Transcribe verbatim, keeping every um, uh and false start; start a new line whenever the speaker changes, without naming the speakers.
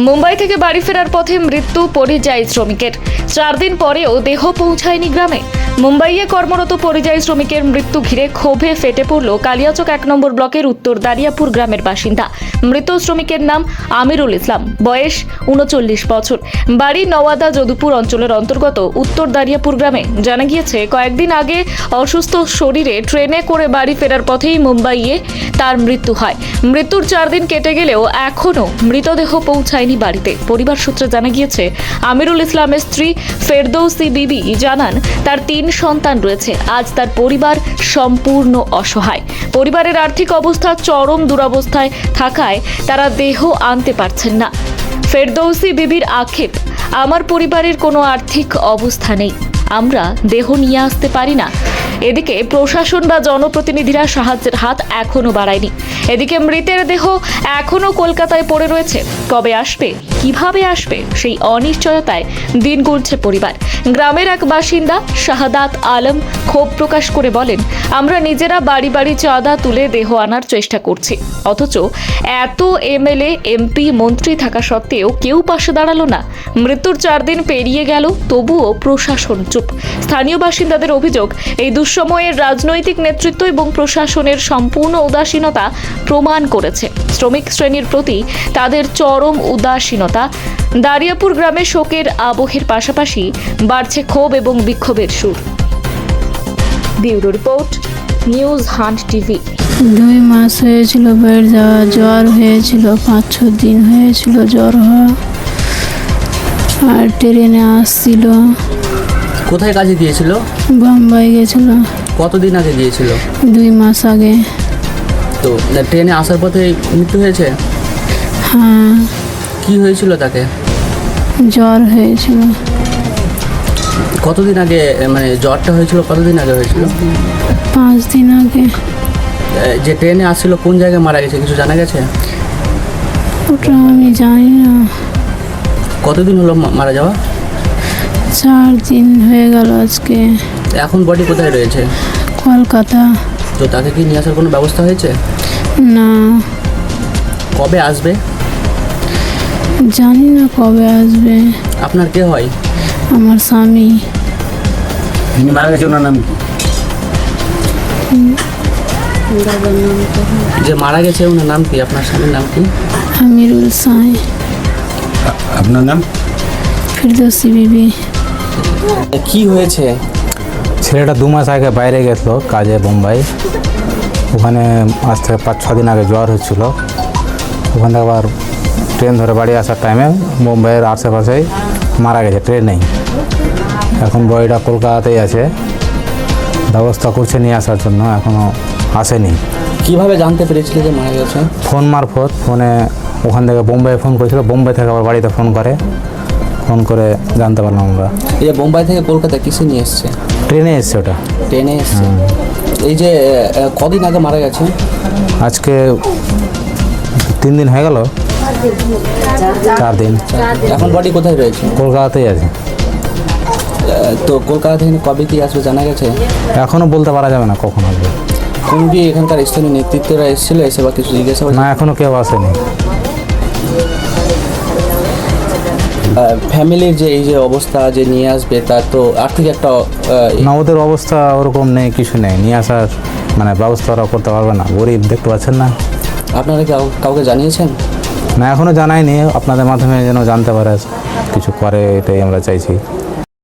মুম্বাই থেকে বাড়ি ফেরার পথে মৃত্যু পরিযায়ী শ্রমিকের। চার দিন পরেও দেহ পৌঁছায়নি গ্রামে। মুম্বাইয়ে কর্মরত পরিযায়ী শ্রমিকের মৃত্যু ঘিরে ক্ষোভে ফেটে পড়ল কালিয়াচক এক নম্বর ব্লকের উত্তর দারিয়াপুর গ্রামের বাসিন্দা। মৃত শ্রমিকের নাম আমিরুল ইসলাম, বয়স উনচল্লিশ বছর, বাড়ি নওয়াদা যদুপুর অঞ্চলের অন্তর্গত উত্তর দারিয়াপুর গ্রামে। জানা গিয়েছে, কয়েকদিন আগে অসুস্থ শরীরে ট্রেনে করে বাড়ি ফেরার পথেই মুম্বাইয়ে তার মৃত্যু হয়। মৃত্যুর চার দিন কেটে গেলেও এখনও মৃতদেহ পৌঁছায়নি বাড়িতে। পরিবার সূত্রে জানা গিয়েছে, আমিরুল ইসলামের স্ত্রী ফেরদৌসি বিবি জানান, তার তিন সন্তান রয়েছে। আজ তার পরিবার সম্পূর্ণ অসহায়। পরিবারের আর্থিক অবস্থা চরম দুরবস্থায় থাকায় তারা দেহ আনতে পারছেন না। ফেরদৌসি বিবির আক্ষেপ, আমার পরিবারের কোনো আর্থিক অবস্থা নেই, আমরা দেহ নিয়ে আসতে পারি না। এদিকে প্রশাসন বা জনপ্রতিনিধিরা সাহায্যের হাত এখনো বাড়ায়নি। এদিকে মৃতের দেহ এখনো কলকাতায় পড়ে রয়েছে। কবে আসবে, কিভাবে আসবে, সেই অনিশ্চয়তায় দিন গুনছে পরিবার। গ্রামের এক বাসিন্দা শাহাদাত আলম ক্ষোভ প্রকাশ করে বলেন, আমরা নিজেরা বাড়ি বাড়ি চাঁদা তুলে দেহ আনার চেষ্টা করছি, অথচ এত এমএলএ এমপি মন্ত্রী থাকা সত্ত্বেও কেউ পাশে দাঁড়ালো না। মৃত্যুর চার দিন পেরিয়ে গেল, তবুও প্রশাসন চুপ। স্থানীয় বাসিন্দাদের অভিযোগ, এই দুঃসময়ের রাজনৈতিক নেতৃত্ব এবং প্রশাসনের সম্পূর্ণ উদাসীনতা প্রমাণ করেছে শ্রমিক শ্রেণীর প্রতি তাদের চরম উদাসীনতা। দারিয়াপুর গ্রামে শোকের আবহের পাশাপাশি বাড়ছে ক্ষোভ এবং বিক্ষোভের সুর। Bureau report, news hunt TV.
দুই মাস হয়েছিল বেড যাওয়া, জ্বর হয়েছিল, পাঁচ ছ দিন হয়েছিল জ্বর হওয়া, আর ট্রেনে আসছিল।
কোথায় কাজে গিয়েছিল?
বোম্বাই গেছিল।
কতদিন আগে গিয়েছিল?
দুই মাস আগে।
তো ট্রেনে আসার পথে মৃত্যু হয়েছে?
হ্যাঁ।
কি হয়েছিল তাকে?
জ্বর হয়েছিল।
কতদিন আগে, মানে জ্বরটা হয়েছিল কতদিন আগে হয়েছিল?
পাঁচ দিন আগে।
যে ট্রেনে আসছিল কোন জায়গায় মারা গেছে কিছু জানা গেছে?
ওটা আমি জানি না।
কতদিন হলো মারা যাওয়া?
চার দিন হয়ে গেল আজকে।
এখন বডি কোথায় রয়েছে?
কলকাতা।
তো তাকে কি নিয়ে আসার কোনো ব্যবস্থা হয়েছে?
না।
কবে আসবে?
জানি না কবে আসবে।
আপনার কে হয়?
আমার স্বামী।
তিনি মারা গেছে, ওনার নাম কি?
যে মারা গেছে ওনার নাম কি? আপনার স্বামীর নাম কি?
আমিরুল সাই।
আপনার নাম?
ফেরদৌসি বিবি।
কি হয়েছে?
ছেলেটা দু মাস আগে বাইরে গেছিলো কাজে বোম্বাই। ওখানে আজ থেকে পাঁচ ছ দিন আগে জ্বর হচ্ছিল। ওখান থেকে আবার ট্রেন ধরে বাড়ি আসার টাইমে মুম্বাইয়ের আশেপাশেই মারা গেছে ট্রেনেই। এখন বডিটা কলকাতাতেই আছে, ব্যবস্থা করছে নিয়ে আসার জন্য, এখনও আসেনি।
কিভাবে জানতে পেরেছিল যে মারা গেছে?
ফোন মারফত, ফোনে ওখান থেকে বোম্বাই ফোন করেছিল, বোম্বাই থেকে আবার বাড়িতে ফোন করে, ফোন করে জানতে পারলাম আমরা।
এই যে বোম্বাই থেকে কলকাতা কিসে নিয়ে এসছে?
ট্রেনে এসছে ওটা।
ট্রেনে এসছে। এই যে কদিন আগে মারা গেছে?
আজকে তিন দিন হয়ে গেল, চার দিন।
এখন বডি কোথায় রয়েছে?
কলকাতাতেই আছে।
তো কলকাতা থেকে কবে কি আসবে জানা গেছে?
এখনও বলতে পারা যাবে না কখন আসবে।
কোন কি এখানকার স্থানীয় নেতৃত্বরা এসেছিল, এসে বা কিছু জিজ্ঞাসা?
না, এখনও কেউ আসেনি।
ফ্যামিলির যে এই যে অবস্থা যে নিয়ে আসবে, তার তো আর্থিক একটা
না, ওদের অবস্থা ওরকম নেই, কিছু নেই, নিয়ে আসার মানে ব্যবস্থা ওরা করতে পারবে না, গরিব, দেখতে পাচ্ছেন না।
আপনারা কি কাউকে জানিয়েছেন?
না, এখনও জানায়নি, আপনাদের মাধ্যমে যেন জানতে পারে, কিছু করে, এটাই আমরা চাইছি।